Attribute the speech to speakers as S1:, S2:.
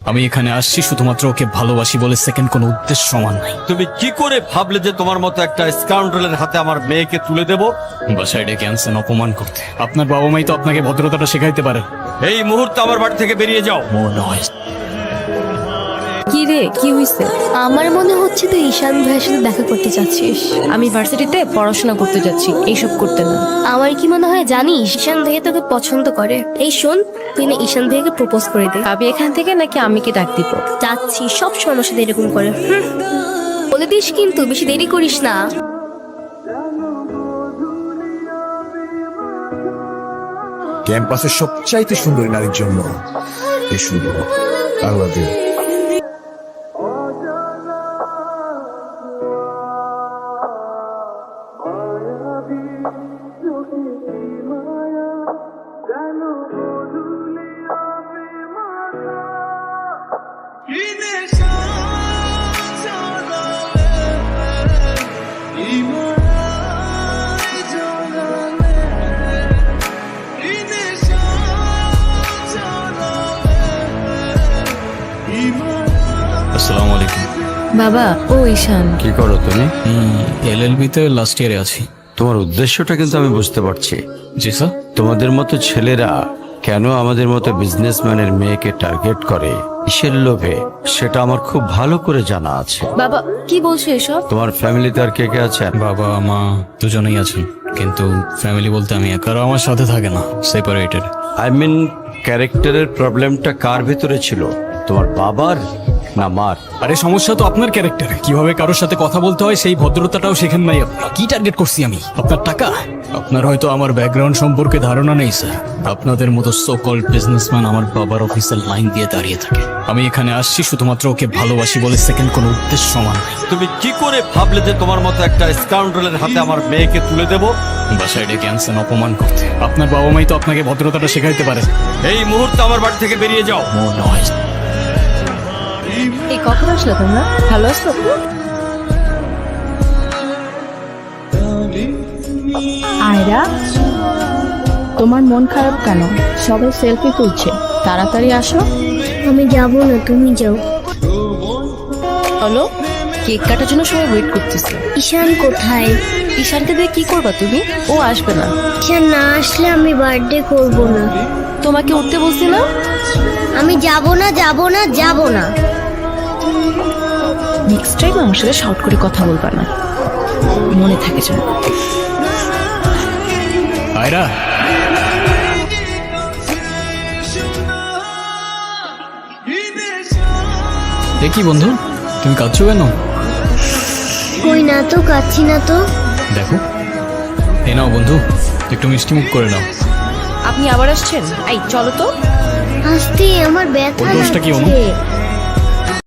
S1: আমি এখানে আসছি শুধুমাত্র ওকে ভালোবাসি বলে, সেকেন্ড কোনো উদ্দেশ্য সমান নাই।
S2: তুমি কি করে ভাবলে যে তোমার মতো একটা স্কাউন্ডারের হাতে আমার মেয়েকে তুলে দেব?
S1: বাসায় ডেকে আনছেন অপমান করতে। আপনার বাবা মাই তো আপনাকে ভদ্রতাটা শেখাইতে পারেন।
S2: এই মুহূর্তে আমার বাড়ি থেকে বেরিয়ে যাও।
S3: কি রে, কি হইছে?
S4: আমার মনে হচ্ছে তুই ঈশান ভাইয়ের সাথে দেখা করতে চাচ্ছিস।
S3: আমি ভার্সিটিতে পড়াশোনা করতে যাচ্ছি, এইসব করতে না।
S4: আমার কি মনে হয় জানিস, ঈশান ভাইয়া তোকে পছন্দ করে। এই শোন, তুই না ঈশান ভাইয়াকে প্রপোজ করে দে।
S3: ভাবি এখান থেকে নাকি আমি কি ডাক দিব?
S4: যাচ্ছি, সব সময় আমার সাথে এরকম করে। বলে দিস কিন্তু, বেশি দেরি করিস না।
S5: ক্যাম্পাসের সবচাইতে সুন্দরী নারীর জন্য এই সুযোগ। I love you.
S1: আসসালামু আলাইকুম।
S3: বাবা, ও ঈশান।
S2: কি করো তুমি?
S1: LLB তে লাস্ট ইয়ারে আছি।
S2: তোমার উদ্দেশ্যটা কিন্তু আমি বুঝতে পারছি।
S1: জি স্যার।
S2: তোমাদের মতো ছেলেরা কেন আমাদের মতো বিজনেসম্যানের মেয়েকে টার্গেট করে, কিসের লোভে, সেটা আমার খুব ভালো করে জানা আছে।
S3: বাবা কি বলছো এসব?
S2: তোমার ফ্যামিলিতে আর কে কে আছে?
S1: বাবা মা দুজনেই আছেন, কিন্তু ফ্যামিলি বলতে আমি একা। আর আমার সাথে থাকে না, সেপারেটেড।
S2: আই মিন, ক্যারেক্টারের প্রবলেমটা কার ভিতরে ছিল, তোমার বাবার না মার?
S1: আরে সমস্যা তো আপনার ক্যারেক্টারে। কিভাবে কারোর সাথে কথা বলতে হয় সেই ভদ্রতাটাও শেখেন নাই আপনি। কি টার্গেট করছি আমি? আপনার টাকা? আপনার হয়তো আমার ব্যাকগ্রাউন্ড সম্পর্কে ধারণা নেই স্যার। আপনাদের মতো সো কল্ড বিজনেসম্যান আমার বাবার অফিসের লাইন দিয়ে দাঁড়িয়ে থাকে। আমি এখানে আসছি শুধুমাত্র ওকে ভালোবাসি বলে, সেকেন্ড কোনো উদ্দেশ্য সমান নাই।
S2: তুমি কি করে ভাবলে যে তোমার মতো একটা স্কাউন্ডারের হাতে আমার মেয়েকে তুলে দেব?
S1: বাসায় ডেকে আনছেন অপমান করতে। আপনার বাবা মাই তো আপনাকে ভদ্রতাটা শেখাইতে পারেন।
S2: এই মুহূর্তে আমার বাড়ি থেকে বেরিয়ে যাও।
S3: এই কখন আসলে তোমরা? ভালো আছো?
S6: আয়রা, তোমার মন খারাপ কেন? সবাই সেলফি তুলছে, তাড়াতাড়ি আসো।
S4: আমি যাব না, তুমি যাও।
S3: হলো, কেক কাটার জন্য সবাই ওয়েট করতেছে।
S4: ঈশান কোথায়?
S3: ঈশানকে দিয়ে কি করবা তুমি? ও আসবে না।
S4: ঈশান না আসলে আমি বার্থডে করব না।
S3: তোমাকে উঠতে বলছি না?
S4: আমি যাব না, যাব না, যাব না।
S3: নেক্সট টাইম আমার সাথে শর্ট করে কথা বলবা না, মনে থাকে যেন।
S1: আয়রা, এ কি বন্ধু, তুমি কাঁদছো কেন?
S4: কই না তো, কাচ্ছি না তো।
S1: দেখো, এ নাও বন্ধু, একটু মিষ্টি মুখ করে নাও।
S3: আপনি আবার আসছেন? এই চলো তো।
S4: আসতে আমার ব্যথা
S1: ওর দোষটা কি অনু?
S4: লাগছে।